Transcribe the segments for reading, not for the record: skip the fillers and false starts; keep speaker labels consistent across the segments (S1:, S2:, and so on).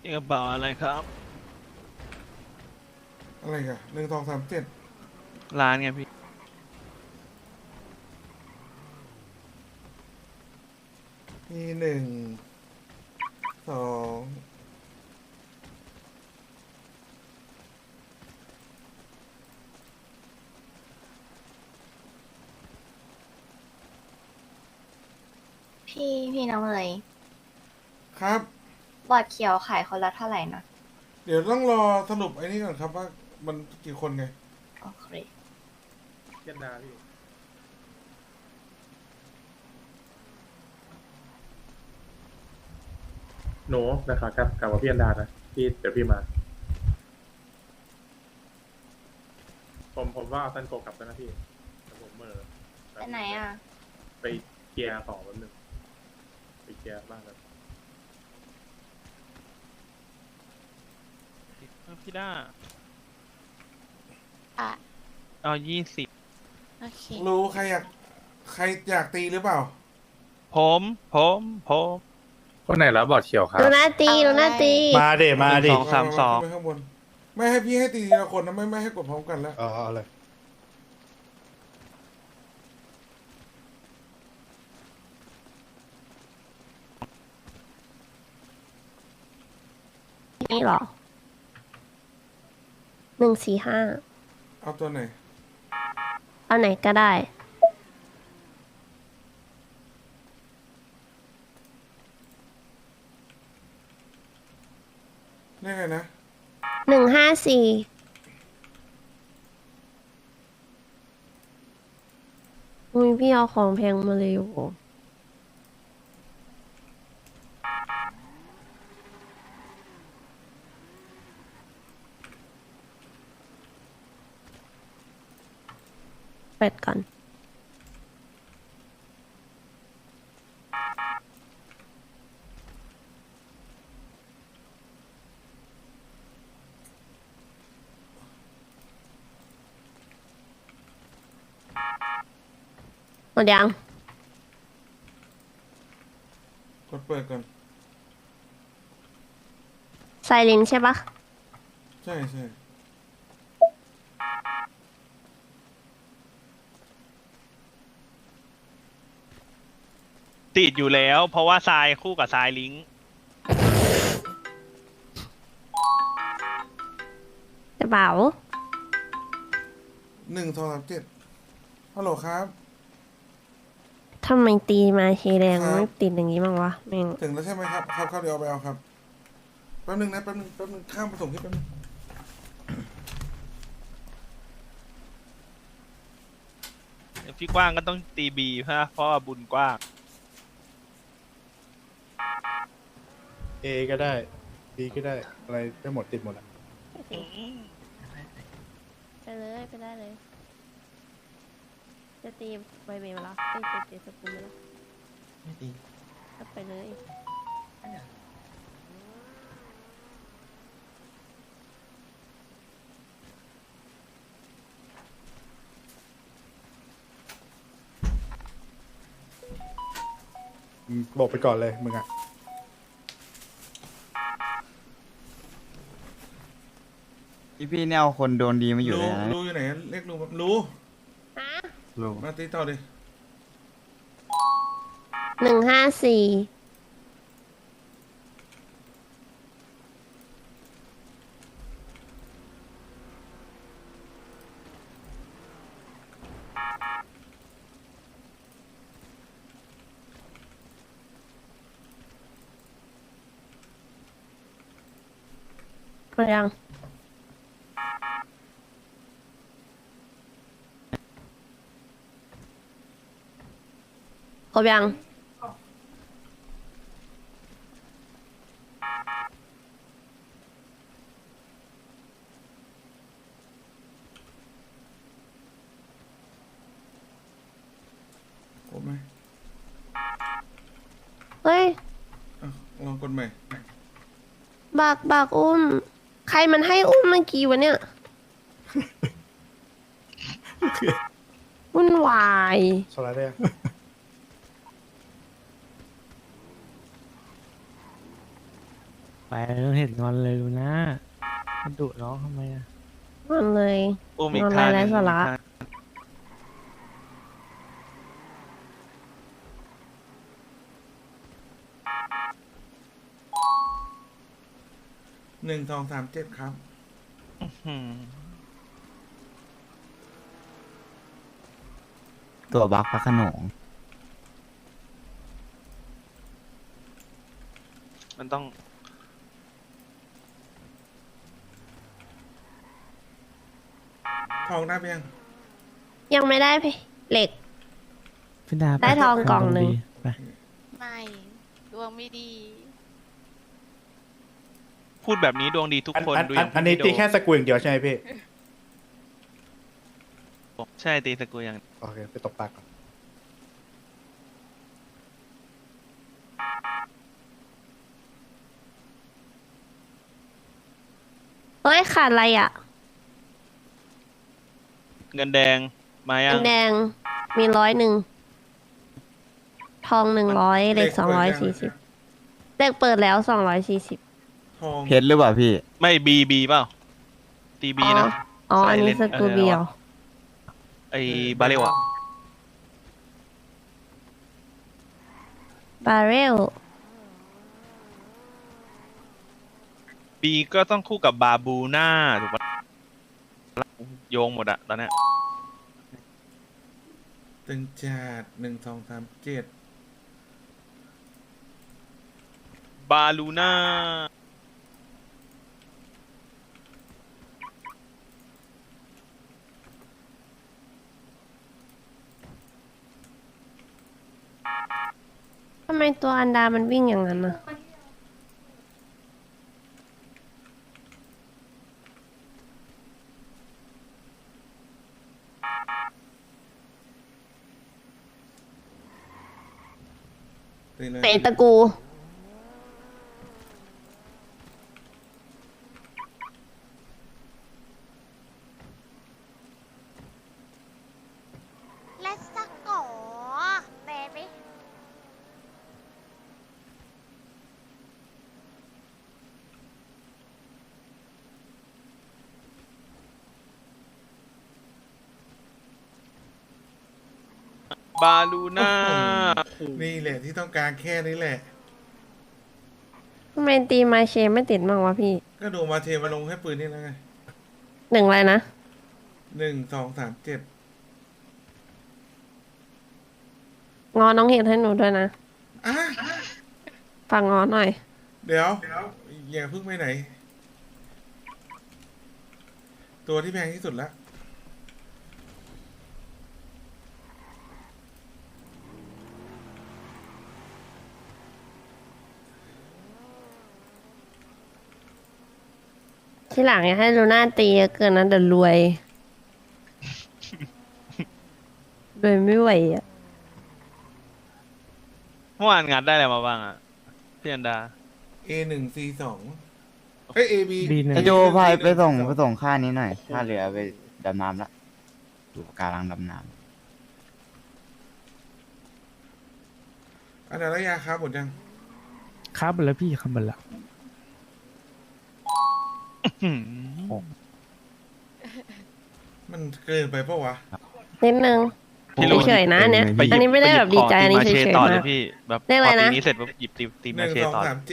S1: นี่กระเป๋าอะไรครับ
S2: อะไรกัน1237
S1: ร้านไงพี่
S2: มี1 2
S3: พี่น้องเลย
S2: ครับ
S3: บอร์ดเขียวขายคนละเท่าไหร่นะ
S2: เดี๋ยวต้องรอสรุปไอ้นี่ก่อนครับว่ามันกี่คนไง
S3: โอเค
S4: เพียนดาพี่หนูนะครับกลับว่าพี่อันดานะพี่เดี๋ยวพี่มา ผมว่าเอาซันโกกลับแล้วนะพี่แต่ผม
S3: ไปไหนอ่ะ
S4: ไปเกียร์ต่อแป๊บนึงไปเกียร์บ้างครับ
S1: พี่ด้า
S3: อ่ะ
S1: เอา20
S3: โอเค
S2: รู้ใครอยากตีหรือเปล่า
S1: ผม
S4: คนไหนแล้วบอดเขียวครับ
S3: ดูหน้าตีดูหน้าตี
S5: มาเดมาดิ
S1: 232
S2: ขึ้นไปข้างบนไม่ให้พี่ให้ตีทีละคนนะไม่ให้กดพร้อมกันแล้ว
S5: เอาเลย
S3: นี่เหรอ145
S2: เอาตัวไหน
S3: เอาไหนก็ได้
S2: เรียกไงนะ
S3: 154อุ้ยพี่เอาของแพงมาเลยโอ้เปิดก่อนหมดยัง
S2: กดเปิดก่อน
S3: ไซลินใช่ปะ
S2: ใช่
S1: ติดอยู่แล้ว เพราะว่าทรายคู่กับทรายลิงก์
S3: กระเป๋า
S2: 1237ฮัลโหลครับ
S3: ทำไมตีมาทีแรง
S2: ครับ
S3: ไม่ติดอย่างนี้บ้างวะแม่ง
S2: ถึงแล้วใช่ไหมครับครับเดี๋ยวเอาไปเอาครับแป๊บนึงนะแป๊บนึงข้ามผสมที่แป๊บนึง
S1: พี่กว้างก็ต้องตีบีเพราะว่าบุญกว้าง
S5: เอก็ได้บีก็ได้อะไรได้หมดติดหมดอ่ะ
S3: ไปเลยไปได้เลย จะตีใบเบมาแล้วจะตีสปูนมาแล้วไม่ตีก็ไปเลย
S5: บอกไปก่อนเลยมึงอ่ะ
S6: พี่เนี่ยเอาคนโดนดีมาอยู่เลยนะ
S2: รู้อยู่ไหนเรียกรู้
S3: ฮะ
S6: ลุง
S2: มาตีต่อดิ
S3: 154หมดยังครบยัง
S2: ครบไหม
S3: เฮ้ย
S2: อ่ะลองกดใหม่
S3: บักอุ้ม ใครมันให้อุ้มเมื่อกี้วะเนี่ย วุ่นวาย
S5: สไลด์ได้ยัง
S2: ร
S7: ไปแล้วเห็นงอนเลยลูน่ามันดุน้องทำไมอะ
S3: มันเลย
S1: อุ้มอีก
S3: นอน
S1: ท่าห
S3: ไร้
S1: นึ่ง
S3: สาระ
S2: 1237ครับ
S1: อืม
S6: ตัวบักพระโขนง
S1: มันต้อง
S2: ทองได้ไหมยัง
S3: ยังไม่ได้พี่เหล็ก
S7: พี่ดา
S3: ได้ทองกล่องหนึ่ง
S7: ไป
S8: ไม่ดวงไม่ดี
S1: พูดแบบนี้ดวงดีทุกคนดูอย่าง
S5: อันนี้
S1: พี่
S5: ตี
S1: โด
S5: แค่สกรูอย่างเดียวใช่ไหมพี่
S1: ใช่ตีสกุลอย่าง
S5: โอเค ไปตกปลาก่อน
S3: เฮ้ยขาดอะไรอ่ะ
S1: เงินแดงมายั
S3: เงิ
S1: ง
S3: นแดงมี100ทอง100เหล็ก240เหล็กเปิดแล้ว240
S2: ทอง
S6: เพชรหรือเปล่าพี่
S1: ไม่บีเปล่าตีบีนะ
S3: อ๋ออันนี้ส
S1: Silent
S3: กูเบียว
S1: ไอ้บาเรลอะ
S3: บาเรล
S1: บีก็ต้องคู่กับบาบูน่าถูกปะโยงหมดอะตอนเนี้ย
S2: ตึงจัด1237
S1: บาลูน่า
S3: ทำไมตัวอันดามันวิ่งอย่างนั้นน่ะ
S2: ตีเลย
S3: ไหนตะกู
S8: และสักกอเบบี้
S1: บาลูน่า
S2: นี่แหละที่ต้องการแค่นี้แหละ
S3: ทำไมตีมาเชไม่ติดบ้างวะพี่
S2: ก็ดูมาเทมาลงให้ปืนนี่แล้วไง
S3: 1อะไรนะ
S2: 1237
S3: งอน้องเห็ดให้หนูด้วยนะ
S2: อ่ะ
S3: ฟังงอหน่อย
S2: เดี๋ยว อย่าเพิ่งไปไหน ตัวที่แพงที่สุดละ
S3: ที่หลังอย่าให้ลูน่าตีเยอะเกินนะเดี๋ยวรวย รวยไม่ไหวอ่ะ
S1: เมื่อวานงานได้อะไรมาบ้างอะพี่อันดา
S2: A1C2 เอ้ย AB
S7: บีหนึ่ง
S6: ไอโจพายไปส่งค่านี้หน่อยค่าเรือไปดำน้ำละอยู่กำลังดำน้
S2: อันนั้นระยะครับหมดยัง
S7: ครับหมดแล้วพี่ครับหมดแล้ว
S2: มันเกินไปปะวะ
S3: นิดนึง
S1: พี่รู้
S3: เฉยๆนะอันเนี้ย
S1: ไปหยิบ
S3: อันนี้ไม่ได้แบบดีใจอันนี้
S1: ไปหยิบ
S3: เฉย
S1: ของ
S3: ๆ
S1: ตีมาเชต่อเล
S3: มาย ก
S1: พี่แบบ
S3: เรียกอะไร
S1: พอ
S3: นะ
S1: ตีนี้เสร็จปุ๊บหยิบตีมาเชต่อ
S2: 1237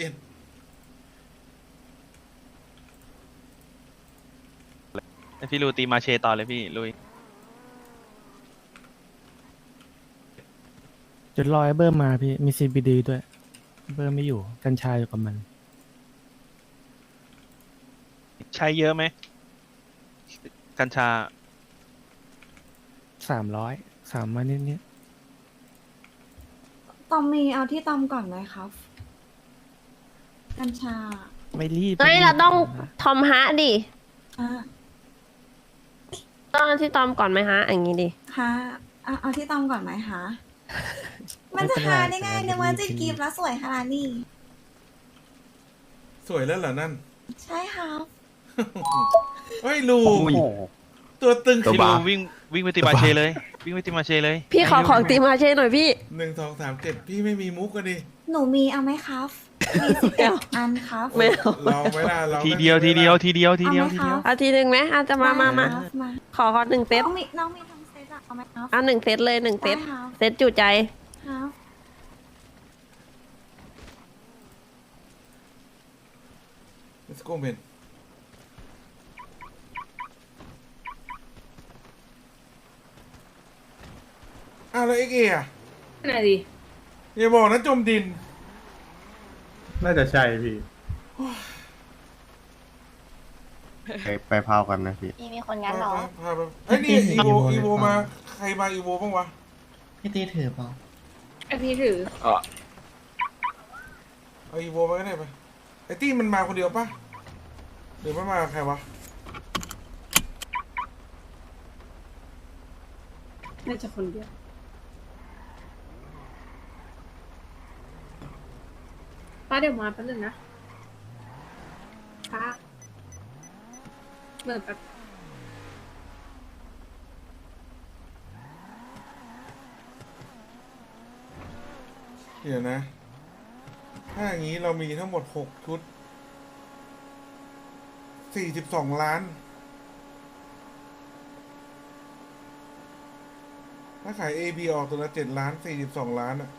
S1: ให้พี่รูตีมาเชต่อเลยพี่ลุย
S7: จดรอยเบอร์มาพี่มี CBD ด้วย เบอร์ไม่อยู่กัญชาอยู่กับมัน
S1: ใช้เยอะไหมกัญชา
S7: 300นิด
S9: ตอมมีเอาที่ตอมก่อนไหมครับ กัญชา
S7: ๆไม่รีบ
S3: เฮ้ยเราต้องทอมฮะดิ
S9: อ่ะ
S3: ต้องเอาที่ตอมก่อนไหมฮะ อย่างงี้ดิ
S9: ฮะเอาที่ตอมก่อนไหมฮะ มันจะหาได้ไงเนี่ยว่าจะกรีบแล้วสวยขนาดนี้
S2: สวยแล้วเหรอนั่น
S9: ใช่ครับ
S2: เฮ้ยลู
S6: ำ
S2: ตัวตึง
S6: ตัว
S1: พี่
S6: บ้า
S1: รูวิ่งไปตีมาเชเลย วิ่งไปตีมาเชเลย
S3: พี่ขอของตีมาเช่หน่อยพี่
S2: 1237 พี่ไม่มีมุกกันดิ
S9: หนูมีเอาไหมครับมี11 อันครับ
S3: ไม่เอา
S2: เราไม่ได้เรา
S1: ทีเดียวทีเดียวทีเดียวทีเดียว
S9: เอาไหม
S1: ทีเดียว
S9: คะ
S3: เอาทีหนึ่งไหมอาจจะมามา
S9: ได้ครับมา
S3: ขอหนึ่งเซต
S9: น้องมีทั้งเซตอะเอาไหมครับ
S3: เอาหนึ่งเซตเลยหนึ่งเซต
S9: ได้ครับ
S3: เซตจุใจ
S9: ครับ
S2: let's go man อ้าวแล้วเอ็กเออะ
S9: ไหนดี
S2: อย่าบอกนะจมดิน
S4: น่าจะใช่พี่
S6: ไปพาวกันนะพี่
S8: มีคนงั้นเหรอ
S2: พาไปเฮ้ยนี่อีโวมาใครมาอีโวบ้างวะ
S10: พี่ตีถือเปล่า
S9: ไอพี่ถือ
S2: เอาอีโวมาก็ได้ไปไอตี้มันมาคนเดียวปะหรือมันมากับใครวะ
S9: น่าจะคนเดียวป้าเดี๋ยวมาแป๊บนึงนะป้าเหมือนแบบ
S2: เดี๋ยวนะ ถ้าอย่างนี้เรามีทั้งหมด6ชุด42 ล้าน ถ้าขาย AB ออกตัวละ7 ล้าน42 ล้านอะ